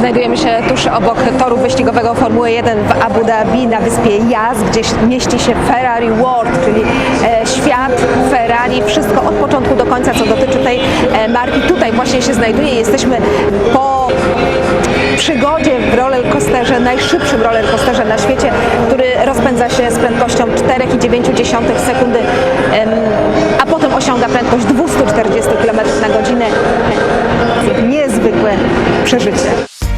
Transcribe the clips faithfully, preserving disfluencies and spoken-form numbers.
Znajdujemy się tuż obok toru wyścigowego Formuły jeden w Abu Dhabi na wyspie Yas, gdzie mieści się Ferrari World, czyli e, świat Ferrari. Wszystko od początku do końca, co dotyczy tej e, marki. Tutaj właśnie się znajduje. Jesteśmy po przygodzie w rollercoasterze, najszybszym rollercoasterze na świecie, który rozpędza się z prędkością cztery i dziewięć dziesiątych sekundy, a potem osiąga prędkość dwieście czterdzieści kilometrów na godzinę. Niezwykłe przeżycie.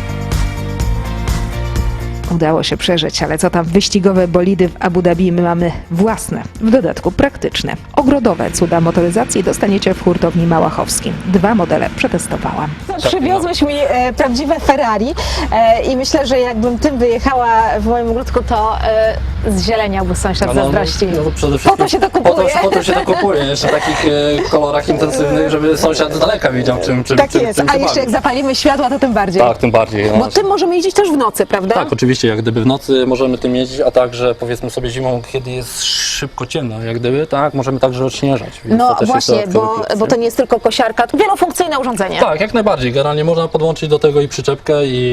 Udało się przeżyć, ale co tam wyścigowe bolidy w Abu Dhabi, my mamy własne, w dodatku praktyczne. Ogrodowe cuda motoryzacji dostaniecie w hurtowni Małachowskiej. Dwa modele przetestowałam. Przywiozłeś mi e, prawdziwe Ferrari e, i myślę, że jakbym tym wyjechała w moim ogródku, to e, zzieleniałby sąsiad no, zazdrości. No, no, przede wszystkim Po to się to kupuje. Po to, po to się to kupuje, jeszcze w takich e, kolorach intensywnych, żeby sąsiad z daleka widział, czym, czym, Tak czym, jest, czym a się jeszcze bawi. jak zapalimy światła, to tym bardziej. Tak, tym bardziej. No. Bo tym możemy jeździć też w nocy, prawda? Tak, oczywiście, jak gdyby w nocy możemy tym jeździć, a także powiedzmy sobie zimą, kiedy jest szybko ciemno, jak gdyby, tak, możemy także odśnieżać. Więc No to też właśnie, jest bo, plus, bo nie? to nie jest tylko kosiarka, to wielofunkcyjne urządzenie. Tak, jak najbardziej. Generalnie można podłączyć do tego i przyczepkę,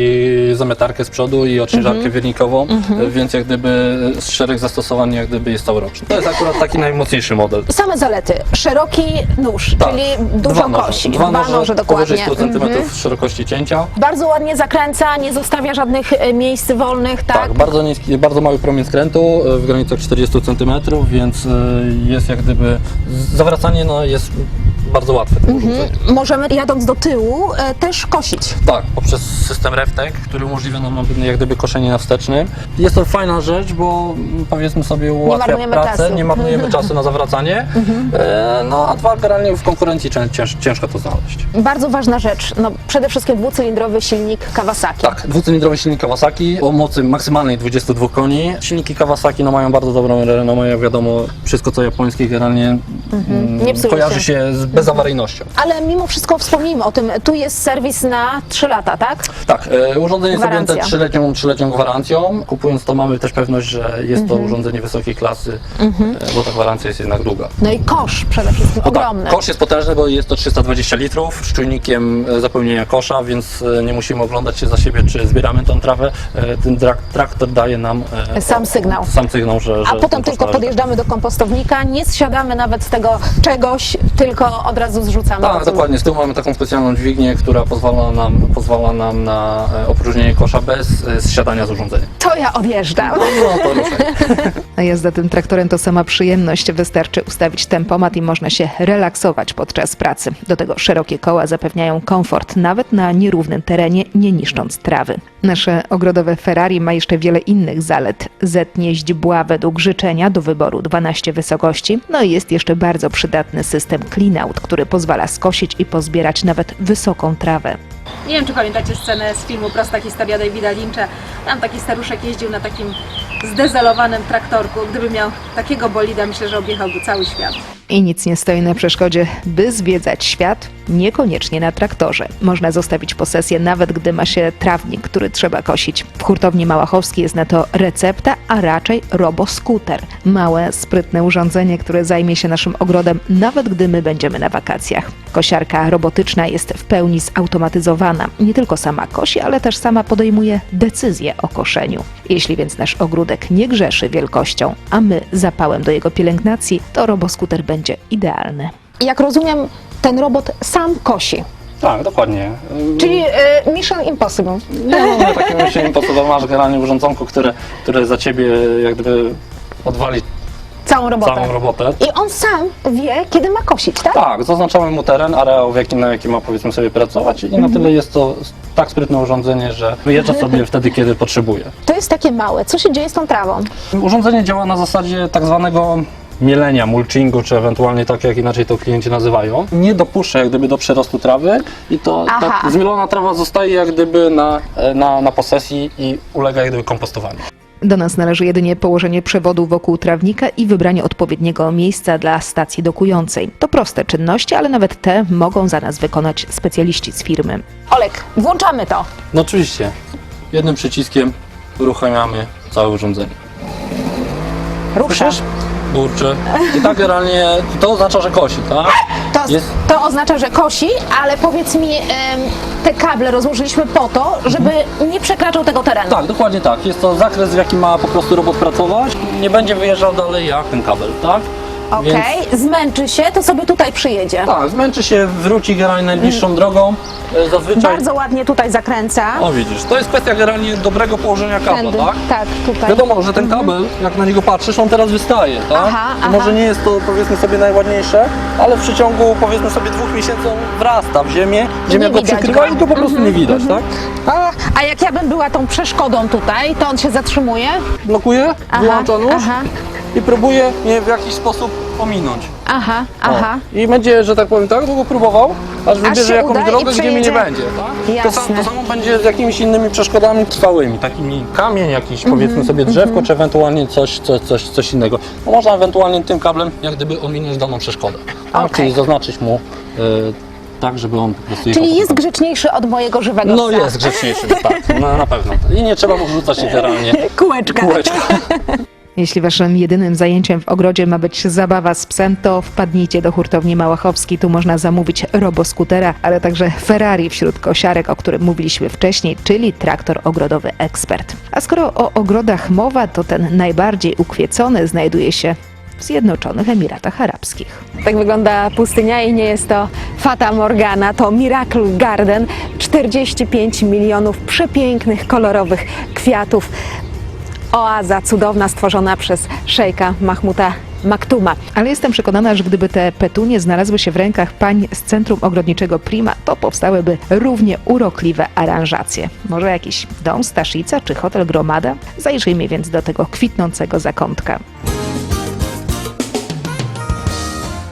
i zamietarkę z przodu, i odśnieżarkę Mhm. wiernikową, więc jak gdyby szereg zastosowań jak gdyby jest całoroczny. To jest akurat taki najmocniejszy model. Same zalety. Szeroki nóż, Tak. czyli dużo Dwa noże. kości. Dwa noże, noże dokładnie. powyżej stu centymetrów Mhm. szerokości cięcia. Bardzo ładnie zakręca, nie zostawia żadnych e, miejsc wolnych, tak? Tak, bardzo niski, bardzo mały promień skrętu e, w granicach czterdziestu centymetrów, więc e, jest jak gdyby zawracanie no, jest bardzo łatwe. tym urządzeniem. Możemy jadąc do tyłu e, też kosić. Tak, poprzez system RefTech, który umożliwia nam jak gdyby koszenie na wstecznym. Jest to fajna rzecz, bo mm, powiedzmy sobie ułatwia marnujemy pracę, czasu. nie marnujemy czasu na zawracanie, e, no a dwa, generalnie w konkurencji cię, cięż, ciężko to znaleźć. Bardzo ważna rzecz, no przede wszystkim dwucylindrowy silnik Kawasaki. Tak, dwucylindrowy silnik Kawasaki o mocy maksymalnej dwudziestu dwóch koni. Silniki Kawasaki no, mają bardzo dobrą renomę, jak wiadomo, wszystko co japońskie generalnie mm, Nie psuje kojarzy się. się z bezawaryjnością. Ale mimo wszystko wspomnijmy o tym, tu jest serwis na trzy lata, tak? Tak, e, urządzenie jest Gwarancja. objęte trzyletnią, trzyletnią gwarancją. Kupując to mamy też pewność, że jest to urządzenie wysokiej klasy, e, bo ta gwarancja jest jednak długa. No i kosz przede wszystkim No tak, ogromny. kosz jest potężny, bo jest to trzysta dwadzieścia litrów z czujnikiem e, zapełnienia kosza, więc e, nie musimy oglądać się za siebie, czy zbieramy tą trawę. E, Ten trak- traktor daje nam e, Sam sygnał. Sam sygnał, że, że A potem ten kosz tylko należy. podjeżdżamy do kompostownika, nie zsiadamy nawet z tego czegoś, tylko od razu zrzucamy. do Tak, tyłu. dokładnie. Z tyłu mamy taką specjalną dźwignię, która pozwala nam, pozwala nam na e, opróżnienie kosza bez e, zsiadania z urządzenia. To ja odjeżdżam. No to ruszaj. A jazda tym traktorem to sama przyjemność. Wystarczy ustawić tempomat i można się relaksować podczas pracy. Do tego szerokie koła zapewniają komfort, nawet na nierównym terenie, nie niszcząc trawy. Nasze ogrodowe Ferrari ma jeszcze wiele innych zalet. Zetnie źdźbła według życzenia, do wyboru dwanaście wysokości. No i jest jeszcze bardzo przydatny system clean-out, który pozwala skosić i pozbierać nawet wysoką trawę. Nie wiem, czy pamiętacie scenę z filmu Prosta historia Davida Lyncha. Tam taki staruszek jeździł na takim zdezelowanym traktorku. Gdyby miał takiego bolida, myślę, że objechałby cały świat. I nic nie stoi na przeszkodzie, by zwiedzać świat, niekoniecznie na traktorze. Można zostawić posesję, nawet gdy ma się trawnik, który trzeba kosić. W hurtowni Małachowskiej jest na to recepta, a raczej roboskuter. Małe, sprytne urządzenie, które zajmie się naszym ogrodem, nawet gdy my będziemy na wakacjach. Kosiarka robotyczna jest w pełni zautomatyzowana. Nie tylko sama kosi, ale też sama podejmuje decyzje o koszeniu. Jeśli więc nasz ogródek nie grzeszy wielkością, a my zapałem do jego pielęgnacji, to roboskuter będzie idealny. Jak rozumiem, ten robot sam kosi. Tak, dokładnie. Czyli y, Mission Impossible. Nie mamy takiego myślenia, po co masz generalnie urządzonko, które, które za ciebie jak gdyby odwali Całą robotę. całą robotę. I on sam wie, kiedy ma kosić, tak? Tak, zaznaczamy mu teren, areał, w jakim, na jakim ma powiedzmy sobie pracować i na tyle jest to tak sprytne urządzenie, że wyjeżdża sobie wtedy, kiedy potrzebuje. To jest takie małe. Co się dzieje z tą trawą? Urządzenie działa na zasadzie tak zwanego mielenia, mulchingu, czy ewentualnie tak, jak inaczej to klienci nazywają. Nie dopuszcza jak gdyby do przerostu trawy i to Aha. ta zmielona trawa zostaje jak gdyby na, na, na posesji i ulega jak gdyby kompostowaniu. Do nas należy jedynie położenie przewodu wokół trawnika i wybranie odpowiedniego miejsca dla stacji dokującej. To proste czynności, ale nawet te mogą za nas wykonać specjaliści z firmy. Olek, włączamy to. No oczywiście, jednym przyciskiem uruchamiamy całe urządzenie. Rusza. Słyszysz? kurczę. I tak generalnie to oznacza, że kosi, tak? To, Jest- to oznacza, że kosi, ale powiedz mi, em, te kable rozłożyliśmy po to, żeby nie przekraczał tego terenu. Tak, dokładnie tak. Jest to zakres, w jakim ma po prostu robot pracować. Nie będzie wyjeżdżał dalej jak ten kabel, tak? Okej, zmęczy się, to sobie tutaj przyjedzie. Tak, zmęczy się, wróci generalnie najbliższą drogą. E, Zazwyczaj... Bardzo ładnie tutaj zakręca. O widzisz, to jest kwestia generalnie dobrego położenia kabla, Tędy. tak? Tak, tutaj. Wiadomo, że ten kabel, jak na niego patrzysz, on teraz wystaje, tak? Aha, I aha. może nie jest to, powiedzmy sobie, najładniejsze, ale w przeciągu, powiedzmy sobie, dwóch miesięcy on wrasta w ziemię, ziemia Nie go widać przykrywa go. i go po prostu nie widać, tak? A, a jak ja bym była tą przeszkodą tutaj, to on się zatrzymuje? Blokuje, Aha, wyłącza nóż aha. i próbuje mnie w jakiś sposób ominąć. Aha, O. aha. I będzie, że tak powiem, tak długo próbował, aż wybierze się jakąś uda i drogę, gdzie mnie nie przejedzie. będzie. Tak? To, sam, Jasne. to samo będzie z jakimiś innymi przeszkodami trwałymi, takimi kamień, jakiś Mhm, powiedzmy sobie drzewko, czy ewentualnie coś, coś, coś, coś innego. No, można ewentualnie tym kablem jak gdyby ominąć daną przeszkodę. Tak? Okej. Czyli zaznaczyć mu y, tak, żeby on po prostu jechał Czyli po jest prostu. grzeczniejszy od mojego żywego No psa. jest grzeczniejszy, tak, no, na pewno. I nie trzeba mu rzucać literalnie Kółeczka. kółeczka. Jeśli waszym jedynym zajęciem w ogrodzie ma być zabawa z psem, to wpadnijcie do hurtowni Małachowski. Tu można zamówić roboskutera, ale także Ferrari wśród kosiarek, o którym mówiliśmy wcześniej, czyli traktor ogrodowy Ekspert. A skoro o ogrodach mowa, to ten najbardziej ukwiecony znajduje się w Zjednoczonych Emiratach Arabskich. Tak wygląda pustynia i nie jest to Fata Morgana, to Miracle Garden. czterdzieści pięć milionów przepięknych, kolorowych kwiatów. Oaza cudowna stworzona przez szejka Mahmuda Maktuma. Ale jestem przekonana, że gdyby te petunie znalazły się w rękach pań z Centrum Ogrodniczego Prima, to powstałyby równie urokliwe aranżacje. Może jakiś dom Staszica czy hotel Gromada? Zajrzyjmy więc do tego kwitnącego zakątka.